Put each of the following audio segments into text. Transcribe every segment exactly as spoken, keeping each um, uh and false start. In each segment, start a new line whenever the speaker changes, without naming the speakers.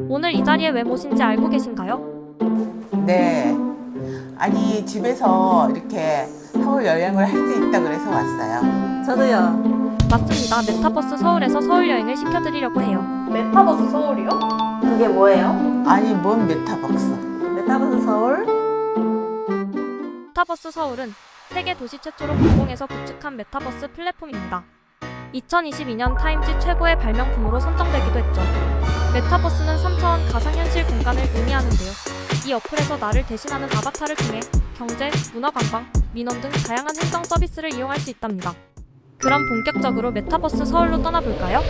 오늘 이 자리에 왜 모신지 알고 계신가요?
네. 아니, 집에서 이렇게 서울 여행을 할 수 있다 그래서 왔어요.
저도요.
맞습니다. 메타버스 서울에서 서울 여행을 시켜드리려고 해요.
메타버스 서울이요?
그게 뭐예요?
아니, 뭔 메타버스.
메타버스 서울?
메타버스 서울은 세계 도시 최초로 공공에서 구축한 메타버스 플랫폼입니다. 이천이십이 년 타임지 최고의 발명품으로 선정되기도 했죠. 메타버스는 삼 차원 가상현실 공간을 의미하는데요. 이 어플에서 나를 대신하는 아바타를 통해 경제, 문화관광, 민원 등 다양한 행정 서비스를 이용할 수 있답니다. 그럼 본격적으로 메타버스 서울로 떠나볼까요?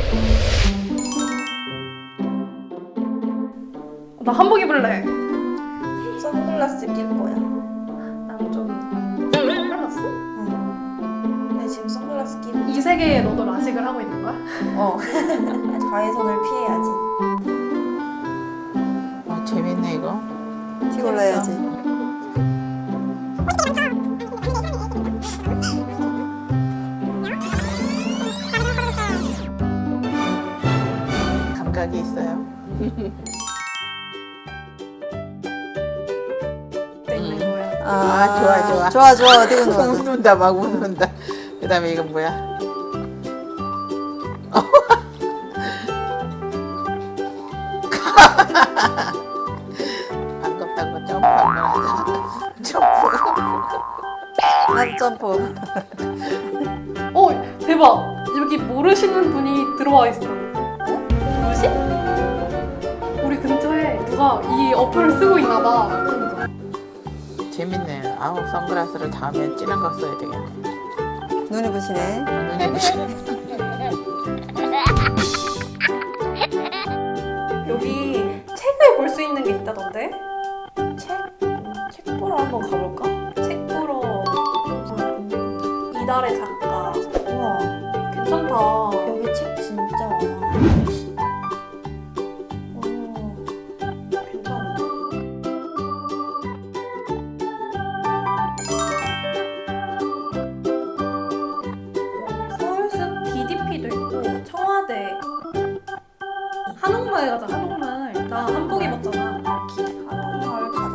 나 한복 입을래.
선글라스 낄 거야.
난 좀 선글라스?
응. 내 지금 선글라스 끼고.
이 세계에 너도 라식을 하고 있는 거야?
어. 자외선을 피해야지.
어, 재밌네, 이거.
골라야지.
감각이 있어요.
있는 거야.
아, 좋아, 좋아.
좋아, 좋아. 어디 가는 거야?
웃는다, 막 웃는다. 그 다음에 이건 뭐야? 반갑다고 점프한 거라서. 점프.
나도 점프.
어, 대박. 여기 모르시는 분이 들어와 있어. 누구시? 우리 근처에 누가 이 어플을 쓰고 있나 봐.
재밌네. 아우, 선글라스를 다음에 진한 거 써야 되겠네.
눈이 부시네.
눈이 부시네.
여기 책을 볼 수 있는 게 있다던데?
책? 책 보러 한번 가볼까?
책 보러 이달의 작가.
우와.
괜찮다.
여기 책 진짜 많아. 오.
괜찮은데? 서울숲 디디피도 있고 청와대 한옥마을 가자. 한옥마을. 나 한복 입었잖아.
한옥마을 가자.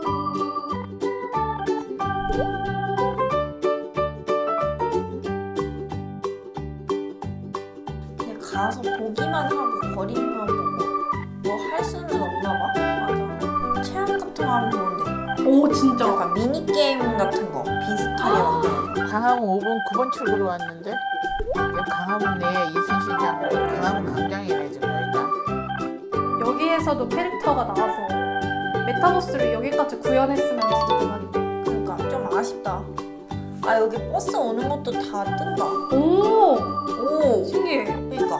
그냥 가서 보기만 하고 거리만 보고 뭐 할 수는 없나 봐. 맞아. 체험 같은 거 하면 좋은데.
오 진짜.
약간 미니 게임 같은 거 비슷하게 만드는 거.
강화문 오 번, 구 번 출구로 왔는데 여기 강화문 내에 이순신장 강화문 광장이네 지금 여기가.
여기에서도 캐릭터가 나와서 메타버스를 여기까지 구현했으면 진짜 대박이다.
그러니까 좀 아쉽다. 아 여기 버스 오는 것도 다 뜬다.
오
오.
신기해.
그러니까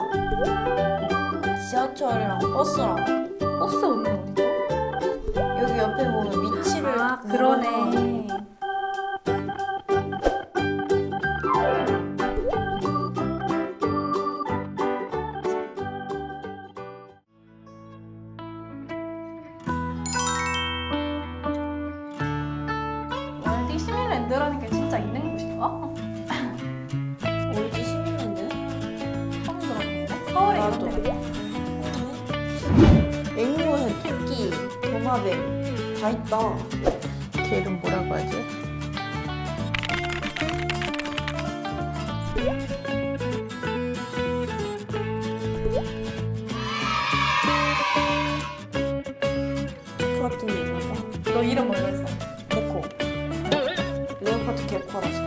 지하철이랑 버스랑
버스 오는 어디죠?
여기 옆에 보면 위치를
아
누르면
그러네. 월드 시민랜드라는 게 진짜 있는 곳인가?
올지 시민랜드 처음 들어보는데.
서울에
나도.
있는데.
앵무새, 토끼, 도마뱀 다 있다.
걔 이름 뭐라고 하지?
그 같은 게 있나 봐.
너 이름 뭐였어
개코. 레오파드 개코라서.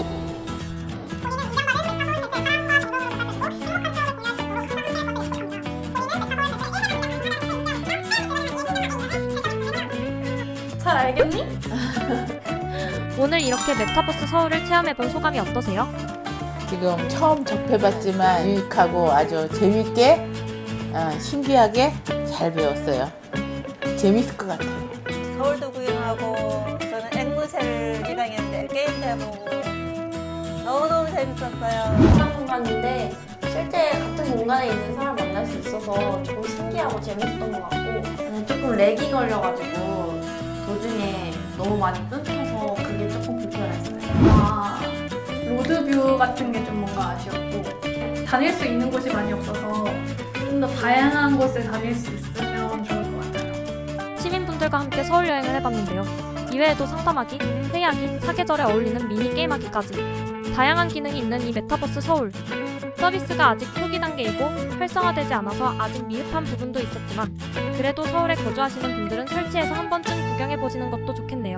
잘 알겠니?
오늘 이렇게 메타버스 서울을 체험해본 소감이 어떠세요?
지금 처음 접해봤지만 유익하고 아주 재밌게 어, 신기하게 잘 배웠어요. 재밌을 것 같아요.
서울도 구경하고 저는 앵무새를 입양했는데 게임도 해보고 너무너무 재밌었어요. 이상 공간인데 실제 같은 공간에 있는 사람 만날 수 있어서 조금 신기하고 재밌었던 것 같고 음, 조금 렉이 걸려가지고 도중에 너무 많이 끊겨서 그게 조금 불편했어요.
아 로드뷰 같은 게 좀 뭔가 아쉬웠고 다닐 수 있는 곳이 많이 없어서 좀 더 다양한 곳을 다닐 수 있으면 좋을 것 같아요.
시민분들과 함께 서울 여행을 해봤는데요. 이외에도 상담하기, 회의하기, 사계절에 어울리는 미니 게임하기까지 다양한 기능이 있는 이 메타버스 서울. 서비스가 아직 초기 단계이고 활성화되지 않아서 아직 미흡한 부분도 있었지만 그래도 서울에 거주하시는 분들은 설치해서 한 번쯤 구경해보시는 것도 좋겠네요.